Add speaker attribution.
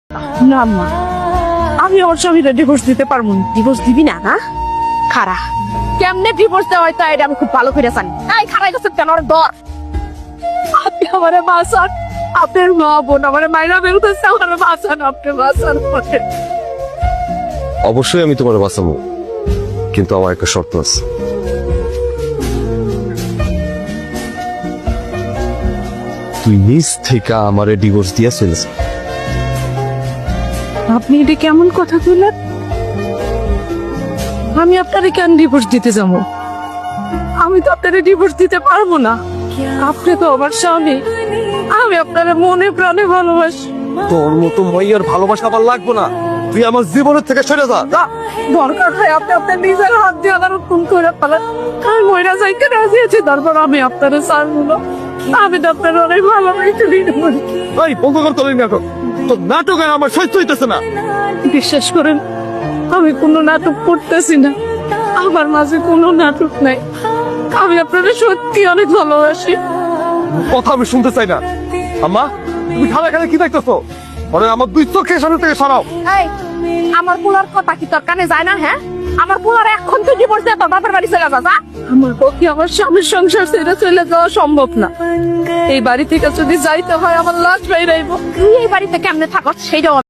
Speaker 1: না মা, আমি ওর স্বামীরা ডিভোর্স দিতে পারবো না।
Speaker 2: ডিভোর্স দিবি না? না খারা কেমনে ডিভোর্স দেওয়া হয় তাই আমি খুব ভালো করে জানি। এই খারাই গেছে কেন ওর দর
Speaker 1: আপনি আমারে বাঁচান, আপনার মা বোন আমারে মাইরা বেরোতেছে, আমারে বাঁচান, আপনি বাঁচান।
Speaker 3: অবশ্যই আমি তোমার বাঁচাবো, কিন্তু আমার একটা শর্ত আছে। তুই নিজ থেকে আমারে ডিভোর্স দিয়া ফেলছ।
Speaker 1: আপনি এটা কেমন কথা কইলেন? আমি আপনারে কেন ডিভোর্স দিতে যাবো? আমি তো আপনারে ডিভোর্স দিতে পারবো না। আপনি তো আমার স্বামী, আমি আপনারে মনে প্রাণে ভালোবাসি।
Speaker 3: তোর মতো মাইয়ার ভালোবাসা আমার লাগবো না, তুই আমার জীবনের থেকে সরে যা।
Speaker 1: দরকার হয় আপনি আপনার নিজের হাত দিয়ে আমার খুন করে ফেলেন, আমি মইরা যাইতে রাজি আছি, তারপর আমি আপনারে ছাড়বো না। আমি তো আপনার অনেক ভালোবাসি।
Speaker 3: এই বন্ধ কর তোর নাটক, তোর নাটক আর আমার সহ্য হইতেছে না।
Speaker 1: বিশ্বাস করেন, আমি কোনো নাটক করতেছি না, আমার মাঝে কোনো নাটক নাই। আমি আপনাদের সত্যি অনেক ভালোবাসি।
Speaker 3: কথা আমি শুনতে চাই না। আম্মা, তুমি খানা খানা কি দেখতেছো? আরে আমার দুই চোখের সামনে থেকে সরাও।
Speaker 2: এই আমার পোলার কথা কি তোর কানে যায় না? হ্যাঁ, আমার পোলার এখন তুই ডিভোর্স দিয়ে তোর বাপের বাড়ি চলে যা।
Speaker 1: আমার পক্ষে আমার স্বামীর সংসার ছেড়ে চলে যাওয়া সম্ভব না। এই বাড়ি থেকে যদি যাইতে হয় আমার লাশ বাইরাইব।
Speaker 2: তুই এই বাড়িতে কেমনে থাকস সেইটাও